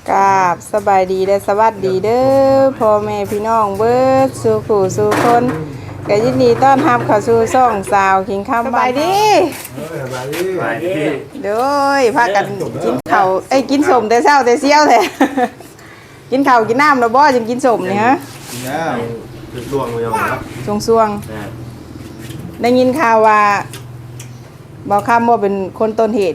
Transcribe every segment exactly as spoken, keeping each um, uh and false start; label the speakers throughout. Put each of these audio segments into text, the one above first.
Speaker 1: กราบสบายดีและสวัสดีเด้อพ่อแม่พี่น้องเบิดสู่ผู้สู่คนก็ยินดีต้อนรับเข้าสู่ช่องสาวขิงคำสบายดีสบายดีสบายดีโดยพากันกินข้าวเอ้ยกินสมแต่เช้าแต่เสี้ยวแท้กินข้าวกินน้ำแล้วบ่จึงกินสมนี่ฮะ
Speaker 2: กินแล้วจุดดวงเลยเอาครับ
Speaker 1: ช่วงๆได้ยินข่าวว่าบ่คำว่าเป็นคนต้นเหตุ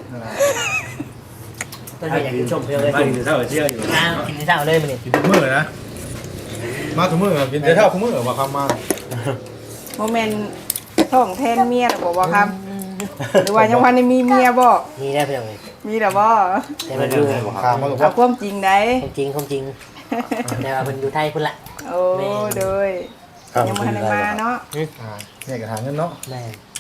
Speaker 3: ต้นเหตุอยากกินชมเพียงเลย
Speaker 2: มากินเท่าเชี่ยวอยู่
Speaker 3: อ้าวกินเท่าเลยมันนี่
Speaker 2: กินทุกมื้อนะมาทุกมื้อกินเท่าทุกมื้อมาคำมา
Speaker 1: โมเมนต์ท้องแทนเมียหรือบ่บ่ครับหรือว่ายังวันนี้มีเมียบ่
Speaker 3: มีได้เพียงเลย
Speaker 1: มีหรือบ่
Speaker 3: แต่มันอยู่
Speaker 2: คำมา
Speaker 1: เอาความจริงได้
Speaker 3: ความจริงความจริงแต่ว่ามันอยู่ไทยพุ่นละ
Speaker 1: โอ้โดยยังมาในมาเนาะ
Speaker 2: เนี่ยกระถางเงินเนาะ
Speaker 3: แม่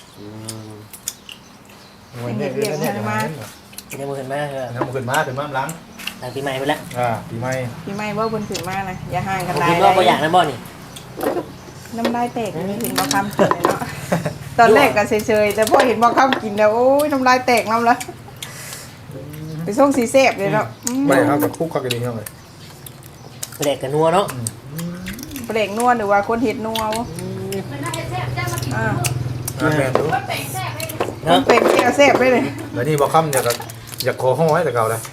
Speaker 2: วันนี้คือเนี่ยกระถางเงิน
Speaker 3: ยังมือขึ้นมาเหรอ
Speaker 2: น้ำขึ้นมาถึงมาล้าง
Speaker 3: หลังปีใหม่พุ่นละ
Speaker 2: อ่าปีใหม่
Speaker 1: ปีใหม่บ่บนขึ้นมานะอย่าห่างกันได้
Speaker 3: คิดว่าบ่อยากนะบ่นี่
Speaker 1: น้ำลายแตกนี่เห็นบ่คำกินเลยเนาะตอนแรกก็เฉยๆแต่พอเห็นบ่คำกินแล้วโอ้ยน้ำลายแตกน้ำละไปส่งสีแซ่บเลยเนาะ
Speaker 2: ไม่ครับกับคุกข้าวกันดีเท่าไหร่
Speaker 3: เปลกกับนัวเนาะ
Speaker 1: เปลกนัวหรือว่าคนเห็ดนัวอ่า
Speaker 2: แมนดู
Speaker 1: มันเป็นแก้วแซ่บได้เลย
Speaker 2: แล้วนี่บอกคำอยากอยากขอห้องไว้แต่เก่าเลย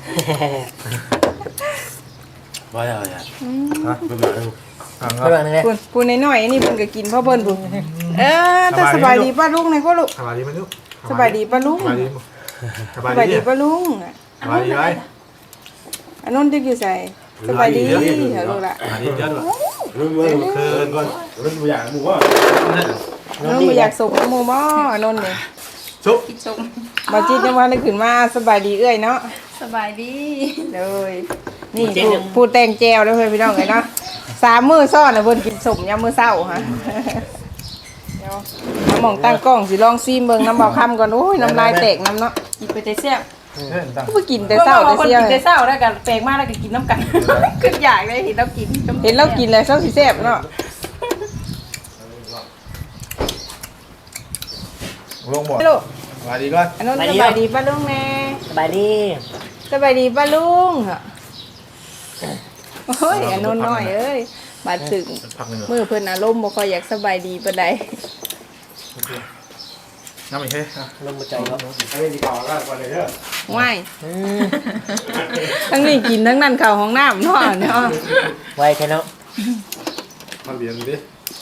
Speaker 4: ว่าอะไรอ่ะ
Speaker 2: ฮะ
Speaker 4: เป็นแบบ
Speaker 3: นึง
Speaker 1: พูนพูนน้อยๆนี่เพิ่นก็กินเพราะเพิ่นพูนเออแต่สบายดีป้าลุงในก็ลูก
Speaker 2: สบายดีไหมลูก
Speaker 1: สบายดีป้าลุง
Speaker 2: สบายดี
Speaker 1: ป้าลุง
Speaker 2: สบายดีไร
Speaker 1: อันนั้นดึกอยู่ใส่สบายดีเหรอลูกละ
Speaker 2: สบายดีเจ้าลูก
Speaker 4: รุ่นเมื่อคืนก่อนรุ่นตัวอย่างหมู่ว่า
Speaker 1: น้องไม่อยากส่งหมูหม้อนนเลย
Speaker 2: ชุบ
Speaker 1: มาจีนยังวันได้ขึ้นมาสบายดีเอ้ยเนาะ
Speaker 5: สบายดี
Speaker 1: เลยนี่พูดแตงแจวแล้วเพื่อนพี่น้องเลยเนาะสามมือซ่อนนะเพิ่นกินสมยามมือเศร้าฮะเดี๋ยวน้ำมองตั้งกล้องสิลองซีมเบิ่งน้ำเบาคำก่อนโอ้ยน้ำลายแตกน้ำเนาะ
Speaker 5: กินไปแต่เสี้ยว
Speaker 1: ก็ไปกินแต่เศร้าแต่เสี้ยว
Speaker 5: กินแต่เศร้าแล้วกันแปลกมากแล้วก็กินน้ำกันขึ้นอยากเลยเห็นเรากิน
Speaker 1: เห็นเรากินเลยเศร้าสิแซ่บเนาะ
Speaker 2: ลงหมดสบายดีก่อน
Speaker 1: อันนั้นสบายดีป้าลุงแน่
Speaker 3: สบายดี
Speaker 1: สบายดีป้าลุงโอ้ยอันนั้นน้อยเอ้ยบาดถึงมือเพิ่นอารมณ์บ่ค่อยอยากสบายดีปานใด
Speaker 2: น้ำอีกเฮ้ย
Speaker 3: ลมใจเขา
Speaker 2: ไอ้ดีกว่าก็ก่อนเลยเด้อ
Speaker 1: ง่ายทั้งนี้กินทั้งนั้นเข้าห้องน้ำเนาะเนาะ
Speaker 3: ไวแค่เนาะ
Speaker 2: มาเรียนดิ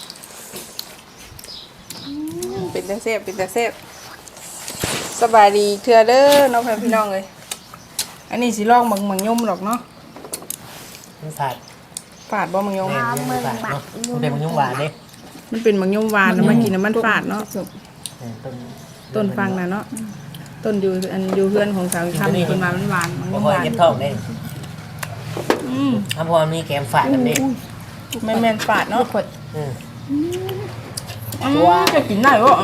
Speaker 1: เป็นตาเซฟเป็นตาเซฟสบายดีเทื่อเด้อน้องพี่น้องเลยอันนี้สิลองมังมังยมหรอกเนาะ
Speaker 3: มันฝาด
Speaker 1: ฝาดบ่มังยม
Speaker 3: มันฝาดเนาะมันเป็นมังยมหวานเด้
Speaker 1: มันเป็นมังยมหวานแล้วมากินน้ำมันฝาดเนาะต้นฟังนะเนาะต้นอยู่อันอยู่เพื่อนของสาวทำคนมามันหวานมังยมหวาน
Speaker 3: เก็บท้องเด้อืมถ้าพอมีแกมฝาดกันเด้
Speaker 1: แม่นแม่นฝาดเนาะขวด
Speaker 3: อืม
Speaker 1: จะกินได้บ่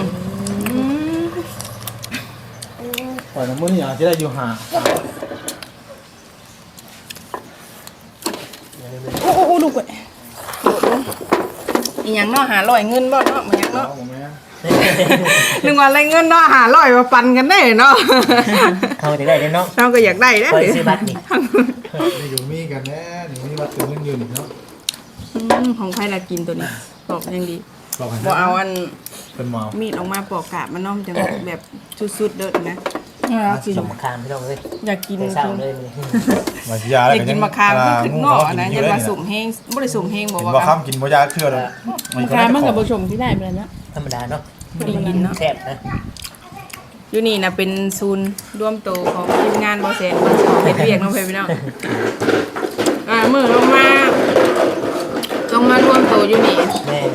Speaker 2: ปล่อยน้ำมันอย่างที่ได้อยู่ห่า
Speaker 1: โอ้โหดูก่อนอีหยังเนาะหาร้อยเงินบ่เนาะมันยังเนาะนึกว่าอะไรเงินเนาะหาร้อยมาปันกันได้เนาะ
Speaker 3: เขาจะได้เนาะ
Speaker 1: เราก็อยากได้ได้
Speaker 3: ซื้อบัตรนี่
Speaker 2: อยู่มีกันแน่นี่มีบัตรถึงเงินยืนเนาะ
Speaker 1: ของใครละกินตัวนี้ปอกยังดีบ่เอาอัน
Speaker 2: เป็นหมอ
Speaker 1: มีดออกมาปอกกาบมันน้อมจะแบบสุดๆเด้อนะ
Speaker 3: สมมะขามไม่ต้องเลย
Speaker 1: อยากกิน
Speaker 3: เศร้าเลย
Speaker 1: อยากกินมะขามก็ขึ้นงอนะจะมาสุ่มแห้งบ่ได้สุ่มแห้งบอกว่า
Speaker 2: มะขามกินบ่ยาเชื่อเลย
Speaker 5: มะขามมันกับผสมที่ได้ไปแล้วนะ
Speaker 3: ธรรมดาเนาะ
Speaker 1: พอดีกินเนาะ
Speaker 3: แซ่บนะ
Speaker 1: อยู่นี่นะเป็นศูนย์ร่วมโตของทีมงานบ่แสนบ่สองเฮ็ดเวียกน้องเพิ่นพี่น้องอ่ามื้อลงมาลงมาร่วมโตอยู่นี่
Speaker 3: แม่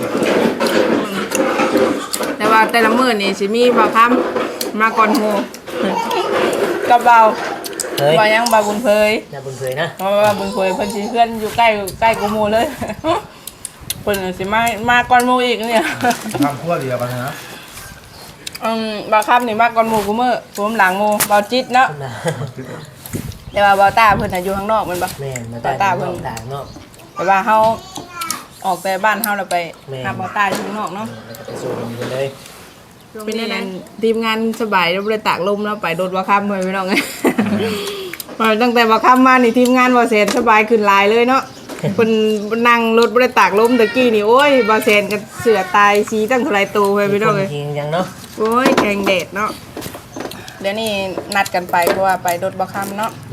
Speaker 1: แต่ว่าแต่ละมื้อนี่สิมีบ่คำมาก่อนโหกับเบาบ่ยังบ่บุญเพย
Speaker 3: น่าบุญเพยนะ
Speaker 1: เพราะว่าบุญเพยเพิ่นสิเพื่อนอยู่ใกล้ใกล้กูหมู่เลยเพิ่นสิมามาก่อนหมู่อีกเนี่ย
Speaker 2: ทำคั่วเดียวกันนะ
Speaker 1: อืมบ่คำนี่มาก่อนหมู่กูมื้อผมหลังหมู่บ่จิตเนาะแต่ว่าบ่ตาเพิ่นน่ะอยู่ข้างนอกแม่นบ่
Speaker 3: แม่นบ่ตาเพิ่นต่างนอก
Speaker 1: แต่ว่าเฮาออกแต่บ้านเฮาแล้วไปหาบ่ตาอยู่ข้างนอกเนาะ
Speaker 3: ไปสู่กันเลย
Speaker 1: เป็นนั่นทีมงานสบายแล้วบ่ได้ตากลมแล้วไปโดดบ่คำเพิ่นพี่น้องเอ้ย พตั้งแต่บ่ค่ำมานี่ทีมงานบ่แซนสบายขึ้นหลายเลยเนาะเพิ่นนั่งรถบ่ได้ตากลมตะกี้นี่โอ้ยบ่แซนก็เสือตายสีตั้งเท่าไหร่โตไปพี่น้องเอ้ย
Speaker 3: จริงยังเนาะ
Speaker 1: โอ้ยแกงเดดเนาะเดี๋ยวนี้นัดกันไปเพราะว่าไปรถบ่ค่ำเนาะ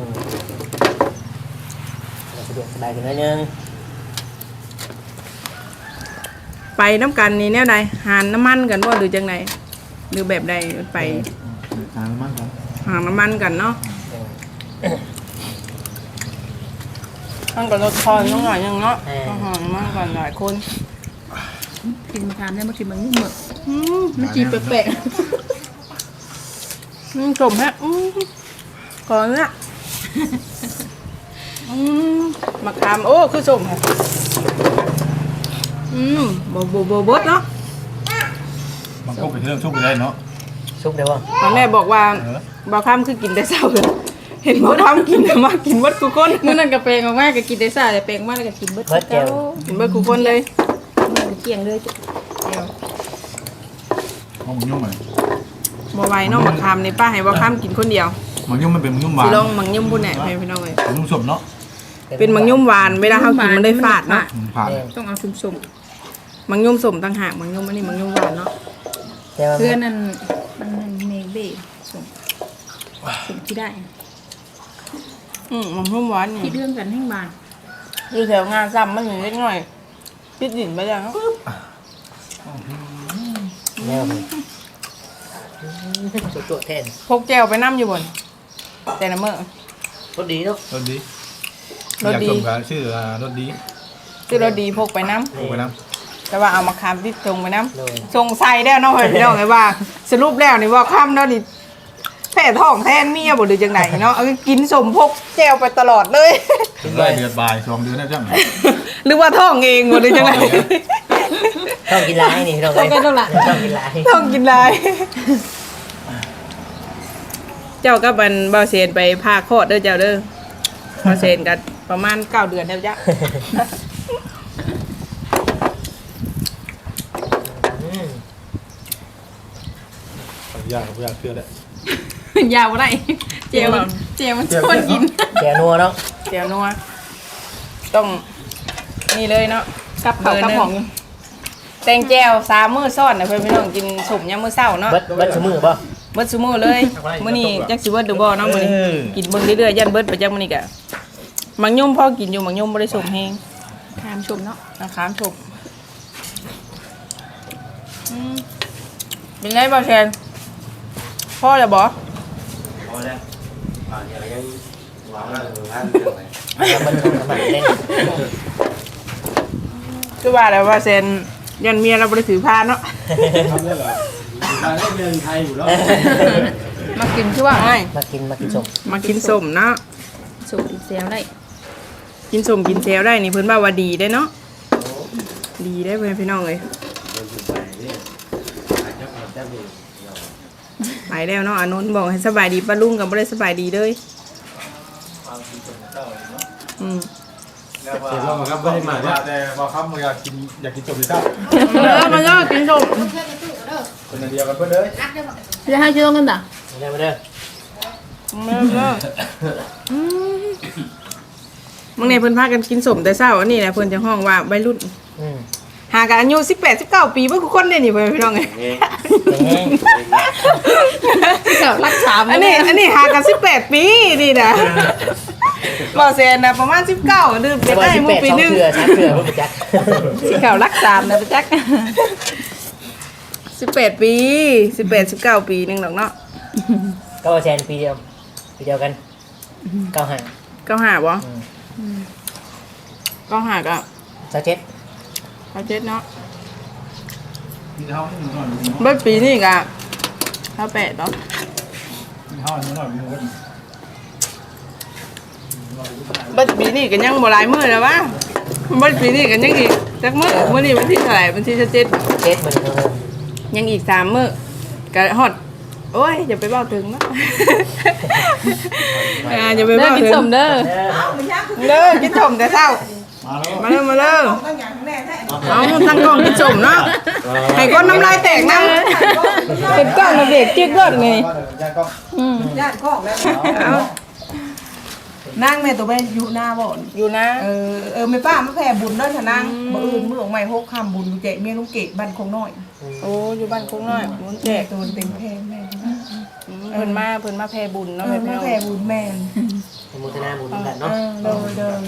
Speaker 3: สะดวกสบายขึ้นนิดนึง
Speaker 1: ไปน้ำกันนี่แนวใดหานน้ำมันกันบ่หรือจังไดหรือแบบใดไป
Speaker 2: ทางมันครับ
Speaker 1: หาน้ำมันกันเนาะมันก็รถคอยน้องหน่อยยังเนาะต้องหาน้ำมันก่อนหลายคน
Speaker 5: กินมะขามได้มากินมันนี่หมด
Speaker 1: อืม
Speaker 5: มันจีแปลก
Speaker 1: อืมสมฮะอืมก่อนละอืมมะขามโอ้คือสมฮะอืมโบโบโบบดเนาะ
Speaker 2: มันก็ไปเรื่องชุบไปได้เนาะ
Speaker 3: ซุปเดี๋ยวว่า
Speaker 1: ตอนแม่บอกว่าบ่าวข้ามคือกินแต่เช้าเลยเห็นบ่าวข้ามกินแต่มากินวัดกูคน
Speaker 5: ๆมื้อนั้นก็แปลงออกมาก็กินได้ซ่าแต่แปลงมาแล้วก็กินเบิด
Speaker 3: เบิดแก้ว
Speaker 1: กินวัดกูคนเลย
Speaker 5: เกี่ยงเลย
Speaker 2: มันยุ่งไหม
Speaker 1: บ่ไหวเนาะมะขามนี่ป้าให้บ่าวข้ามกินคนเดียว
Speaker 2: มันยุ่งมันเป็นมันยุ่งหวา
Speaker 1: สิ
Speaker 2: น
Speaker 1: ลองมังยุ่มพุ่นแหน่ให้พี่น้องเอ้ย
Speaker 2: มันยุ่งสมเนาะ
Speaker 1: เป็นมังยุ่มหวานเวลาเฮากินมันได้ฝาดเนาะ
Speaker 2: ผ่าน
Speaker 5: ต้องเอาสม
Speaker 1: มังยุ่มสมต่างหากมังยุ่มอันนี้มังยุ่มหวานเนาะ
Speaker 3: แต่ว่า
Speaker 5: ๆเพื่อนนั่นมันมันเมฆเบ้สมสมที่ได้
Speaker 1: อืมมังยุ่มหวานนี่
Speaker 5: คิดเรื่องกันให้บาน
Speaker 1: อยู่แถวงานซ้ำมันอยู่เล็กน้อยพิดดินไปแล้วเนาะ
Speaker 3: แนวนี้สุดตัวแทน
Speaker 1: พกแก้วไปน้ำอยู่บนแต่ละมื้อ
Speaker 3: รสดีเนาะ
Speaker 2: รถดี
Speaker 1: รถดี
Speaker 2: อยากชมกันชื่อรถดี
Speaker 1: คือรถดีพกไปน้ำ
Speaker 2: โอ้ไปน้
Speaker 1: แต่ว่าเอามาคามติดทรงไปน้
Speaker 3: เลย
Speaker 1: ำทรงใส่ได้วเนาะเฮ้ยพี่น้องไงว่า สรุปแล้วนี่ว่าค่ำเนาะนี่แผ่ท้องแทนเมียบ่หรือจังไหนเนาะเอากินสมพกแก้วไปตลอดเลย
Speaker 2: ำได้เดือนบ่ายสองเดือนได้จังไหน
Speaker 1: หรือว่าท้องเองบ่หรือจังไหน
Speaker 3: ต้องกินลายนี่ต้องเลยต้องกินลาย
Speaker 1: ท้องกินหลาย เจ้าก็บันบ่าวเซนไปพาคลอดเด้อเจ้าเด้อบ่าวเซนกันประมาณเก้าเดือนแล้วจ้ะ
Speaker 2: ยากยากเชื่อได้
Speaker 5: ยาวอะไรเจลมันเจลมันชวนกิน
Speaker 3: แกนัวเนาะ
Speaker 1: เดี๋ยวนัวต้องนี่เลยเนาะ
Speaker 5: กับเขากับหอม
Speaker 1: แตงแจ่วสามมื้อซ้อนนะเพื่อนพี่น้องกินสมยามมื้อเช้าเนาะ
Speaker 3: เบิดเบิดสมือป่ะ
Speaker 1: เบิดซุมื้อเลยมื้อนี้จักสิเบิดหรือบ่เนาะมื้อนี้กินเบิ่งเรื่อยๆยันเบิดไปจักมื้อนี้ก็มังยมพอกินอยู่มังยมบ่ได้สมแฮง
Speaker 5: ทามชมเนาะ
Speaker 1: นะครับชมอืมเป็นไงบ่แทนพ่อจะบ่
Speaker 4: พอแล้วอ่าอย่างยังวางแล้ววางเลย
Speaker 3: มันทำมันเล่น
Speaker 1: คือว่าแล้วว่าเซนยันเมียเราบ่ได้ถือผ้าเนาะ
Speaker 4: ทำได้เหรอทางได้เรียนไทยอยู่แล้ว
Speaker 5: มากินชื่อว่า
Speaker 1: ใช่
Speaker 3: มากินมากินสม
Speaker 1: มากินสมเนาะ
Speaker 5: สมอีกเซลได้
Speaker 1: กินสมกินเซลได้นี่เพิ่นว่าว่าดีได้เนาะดีได้เพื่อนพี่น้องเลยไปแล้วเนาะอานนท์บอกให้สบายดีป้าลุงกับบ่ได้สบายดีเลยอืม
Speaker 2: เดี๋ยวเราครับไม่ได้มาแต่พอครับมันอยากกินอยากกินจบเลยครับ
Speaker 1: เออมันก็กินสม
Speaker 2: คนเดียวกันเพื่อนเลย
Speaker 5: จะให้ชื่อกันด่ะ
Speaker 3: มาเด้อมาเด้อ
Speaker 1: เออเอออืมมึงเนี่ยเพิ่นพากันกินสมแต่เช้าอันนี้แหละเพิ่นจะห้องว่าวัยรุ่น
Speaker 3: อืม
Speaker 1: หากันอายุสิบแปด สิบเก้าปีเบิ่งทุกคนเลยนี่เพื่อนพี่น้องเอ้ย
Speaker 3: แห้ง
Speaker 5: เดี๋ยวรักสาม
Speaker 1: อันนี้อันนี้หากันสิบแปดปีนี่นะบ่เซนนะประมาณสิบเก้าดื่มไป
Speaker 3: แต่ว่า
Speaker 1: ได้
Speaker 3: สิบ
Speaker 1: หมู่
Speaker 3: แปด
Speaker 1: ปี
Speaker 3: สอง
Speaker 1: หนึง
Speaker 3: เถื่อสามเถื่อพวกจัก
Speaker 1: สิเก้ารักสามนะไปจักสิบแปดปีสิบแปดสิบเก้าปีหนึงดอกเนาะ
Speaker 3: ก็แซนปีเดียวปีเดียวกันเก้าห้า
Speaker 1: เก้าห้าบ่เก้าห้าก็
Speaker 3: สักเจ็ด
Speaker 1: เก้าเจ็ดเนาะ
Speaker 2: กินข้าวนิดหน่อย
Speaker 1: เบิดปีนี่ก็เก้าแปดเนาะ
Speaker 2: กินข้าวนิดหน่อยมีเงิน
Speaker 1: เบิดปีนี่ก็ยังบ่หลายมื้อแล้ววะเบิดปีนี่ก็ยังอีกจักมื้อมื้อนี้วันที่เท่าไหร่วันที่เจ็ด
Speaker 3: เจ็ดมันเท่านั้น
Speaker 1: ยังอีกสามมื้อก็ฮอดโอ้ยอย่าไปเว้าถึงเนาะอ่าอย่าไป
Speaker 5: เด้อ
Speaker 1: เว้า
Speaker 5: กิน
Speaker 1: ถึง
Speaker 5: สมเด้อ
Speaker 1: เด้อกินสมแต่เช้า
Speaker 2: มาแล้ว
Speaker 1: มาเร็วมาเร็วเอาทั้งกล้องกินสมเนาะให้ก้นน้ำลายแตกน้ำเป็นกล้องมาเบรกจิ๊กรถไง
Speaker 2: ย่างก็
Speaker 5: อืม
Speaker 1: เอา
Speaker 6: นั่งแม่ตัวแม่อยู่หน้าบ่อน
Speaker 1: อยู่นะ
Speaker 6: เออเออแม่ป้ามาแผ่บุญเด้อชะนางบ่อื่นมื้อออกใหม่หกค่ำบุญแจกเมียลุงเกดบ้านคงน้อย
Speaker 1: โอ้อยู่บ้านคงน้อยมุนแจ
Speaker 6: แจ
Speaker 1: ก
Speaker 6: กตัวเต็มแพงแม่
Speaker 1: อืมเพิ่นมาเพิ่นมาแพ่บุญ
Speaker 6: เอ
Speaker 1: เนาะ
Speaker 6: อ
Speaker 1: แม่
Speaker 6: มา
Speaker 1: พี่น้อง
Speaker 6: แผ่บุญแม่น
Speaker 3: สมุทนาบุญกัน
Speaker 6: เอ
Speaker 3: เนาะ
Speaker 6: อโดยโดย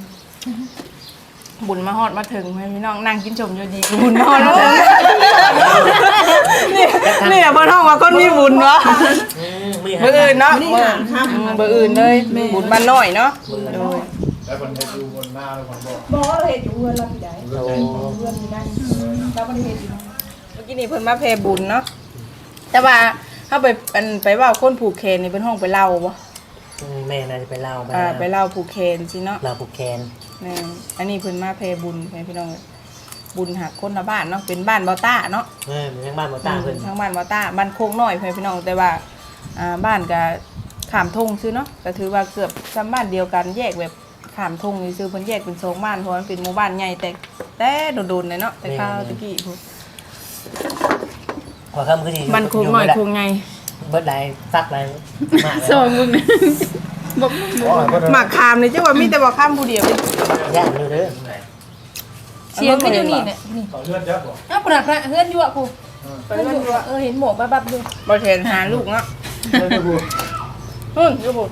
Speaker 1: บุญมาฮอดมาถึงแม่พี่น้องนั่งกินชมอยู่ดีบุญมาฮอดมาถึงนี่นี่เพิ่นฮ้องว่าคนมีบุญวะ
Speaker 3: อืมมือ
Speaker 1: เบอร์อื่นเนาะ
Speaker 6: นี่
Speaker 1: เบอ
Speaker 6: หา
Speaker 1: ร์
Speaker 6: ค่ำ
Speaker 1: เบอร์อื่นเลยบุญบ้านน้อยเนาะโดย
Speaker 2: แล้วคนให้ดูคนหน้าแล้วคนบอก
Speaker 6: บ่เราเฮ็ดอยู่เฮือนเราที่ใด
Speaker 3: โอ้
Speaker 6: เฮือนอยู่นั่นเราบ่ได้เฮ็ดอยู่นั่น
Speaker 1: เมื่อกี้นี่เพิ่นมาแพ่บุญเนาะแต่ว่าถ้าไปอันไปเว่าคนผูกแขนนี่เป็นห้องไปเล่าบ่
Speaker 3: แม่น่าจะไปเล่า
Speaker 1: อ่าไปเล่าผูกแขนสิเนาะ
Speaker 3: เราผูกแขน
Speaker 1: แม่นอันนี้เพิ่นมาแพ่บุญแม่พี่น้องเอ้ยบุญหักคนละบ้านเนาะเป็นบ้านบ่ต้าเนาะ
Speaker 3: เออเป็นทั้งบ้านบ่ตาเพิ่น
Speaker 1: ทางบ้านบ่ต้าบ้านโคกน้อยแม่พี่น้องแต่ว่าอ่าบ้านก็ข้ามทงซื่อเนาะก็ถือว่าเกือบซ้ำบ้านเดียวกันแยกแบบข้ามทงนี่ซื่อเพิ่นแยกเป็นสองบ้านเพราะมันเป็นหมู่บ้านใหญ่แต่แต่โดนๆเลยเนาะแต่ข้าวตะกี้พุ่น
Speaker 3: ขอคำคือสิ
Speaker 1: บ้านโคกน้อยโคกใหญ่
Speaker 3: เบิดหลายซักหลายมาก
Speaker 1: สองมึงนะบอกหมากคามเลยเจ้าว่ามีแต่บอกข้ามผู้เดียว
Speaker 3: ย่านอยู่เด้อ
Speaker 5: เสียงก็อยู่นี่แหละนี่
Speaker 2: ต่อเลือดเยอะบอก
Speaker 5: อ้าวปนักพระเฮือนอยู่อ่ะกู
Speaker 1: ไปเล่นด้วย
Speaker 5: เออเห็นหมวกบับๆอยู่
Speaker 1: บอเทนหาลูกเนาะ
Speaker 2: ไม่ได้พูด
Speaker 1: ฮึ่นยูบุ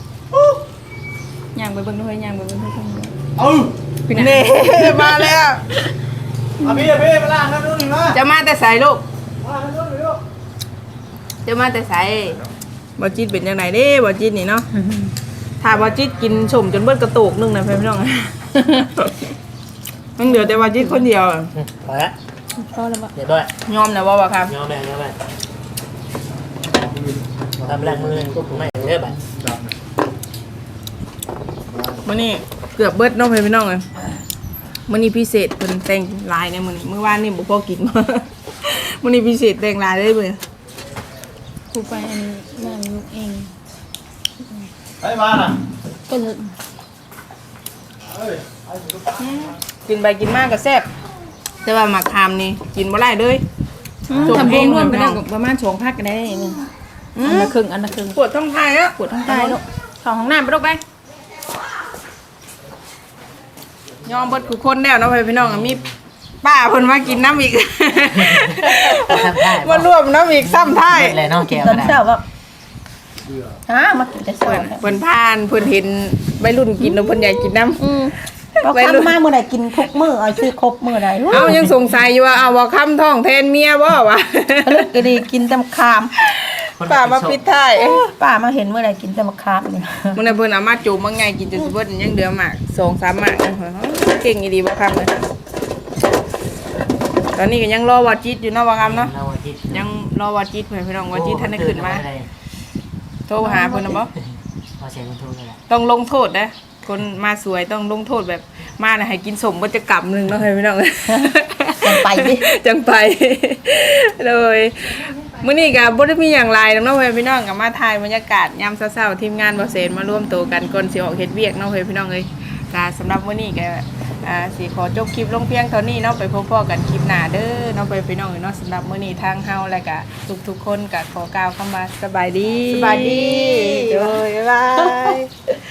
Speaker 5: ย่างไปเบิ่งด้วยย่างไปเบิ่งด้วย
Speaker 2: เอ้า
Speaker 1: พี่เน่มาแล้ว
Speaker 2: อ่ะพี่อ่ะพี่มาล่างครับดูหน่อยมา
Speaker 1: จะมาแต่ใส่ลูก
Speaker 2: มาดูหน่อยดู
Speaker 1: จะมาแต่ใส่บอจิตเป็นยังไงเด้บอจิตนี่เนาะถ้าบอจิตกินชมจนเบิดกระโตกนึงนะเพื่อนพี่น้องมันเหลือแต่บอจิตคนเดียว
Speaker 3: พอละ
Speaker 5: พอแล้วบ่
Speaker 3: เดี๋ยวด้วย
Speaker 1: ยอมนะว่าบ่ครับ
Speaker 3: ยอมแม่ยอมแม่ทำแรงมือไม่เด้อบัด
Speaker 2: จับนะ
Speaker 1: มื้อนี้เกือบเบิดเน้องเพื่อนพี่น้องเลยมื้อนี้พิเศษเพิ่นแต่งลายในมื้อนี้มื้อวานนี่บ่พอกิน มื้อนี้พิเศษแต่งลายได้เบิ่
Speaker 5: กูไปอันย่างลูกเอง
Speaker 2: ไปมาน่ะ
Speaker 5: ก็เลย
Speaker 2: เอ้ย
Speaker 1: กินไปกินมากก็แซ่บแต่ว่าหมักคามนี่กินบ่ได้เลย
Speaker 5: ทำรวมรวมๆกันได้ประมาณสองพักกันได้นี่อันละครึ่งอันละครึ่ง
Speaker 1: ปวดท้องไทยอ่ะ
Speaker 5: ปวดท้องใต้ลูกเข้าห้องน้ำไปลูกไป
Speaker 1: ยอมเบิดทุกคนแล้วเนาะพี่น้องอะมีป้าเพิ่นมากินน้ำอีก
Speaker 3: ทำได้
Speaker 1: มารวมน้ำอีกซ้ำท้าย
Speaker 3: เลยน้องแก้ว
Speaker 5: ตอน
Speaker 3: นะ
Speaker 5: เช้าก็ฮะมากินแต่เช้า
Speaker 1: เพิ่นเพิ่นพานเพิ่นเห็นวัยรุ่นกินแล้วเพิ่นอยากกินน้
Speaker 5: อืม
Speaker 1: ำ
Speaker 7: เรา
Speaker 1: วัยรุ่น
Speaker 7: คำมาเมื่อไหร่กินทุกมื้อเอาชื่อครบมื้อใด
Speaker 1: เอ้ายังสงสัยอยู่ว่าเอาบ่คำท้องแทนเมียบ่วะ
Speaker 7: ลึกก็ดีกินแต่มะขาม
Speaker 1: ป้ามาปิดท้าย
Speaker 7: ป้ามาเห็นเมื่อไหร่กินแต่มะขามนี่
Speaker 1: มื้อนั้นเพิ่นเอามาจูบมาไงกินจนสิเบิดยังเหลือหมากสองสามหมากเพิ่นเก่งอีดีบ่คำเลยตอนนี้ก็ยังรอวาจิตอยู่เนาะว่าคำเนาะ
Speaker 3: เราอาทิตย์
Speaker 1: ยังรอวาจิตเพื่อนพี่น้องวาจิตท่านได้ขึ้นมาโทรหาเพิ่นนะบ่
Speaker 3: พอเสียงมันทุกข์เลยแหละ
Speaker 1: ต้องลงโทษนะคนมาสวยต้องลงโทษแบบมาน่ะให้กินสมบ่จะกลับนึงเนาะเฮ้ยพี่น้อง
Speaker 7: จังไปดิ
Speaker 1: จังไปเลยมื้อนี้ก็บ่ได้มีหยังหลายดอกเนาะเฮ้ยพี่น้องก็มาถ่ายบรรยากาศยามเช้าๆทีมงานบ่เซนมาร่วมตัวกันก่อนสิออกเฮ็ดเวียกเนาะเฮ้ยพี่น้องเอ้ยก็สำหรับมื้อนี้ก็อ่าสิขอจบคลิปลงเพียงเท่านี้เนาะไปพบๆกันคลิปหน้าเด้อเนาะไปพี่น้องเนาะสำหรับมื้อนี้ทางเฮาและก็ทุกๆคนก็ขอกล่าวคำว่าสบายดี
Speaker 7: สบายดี
Speaker 1: โดยบ๊ายบาย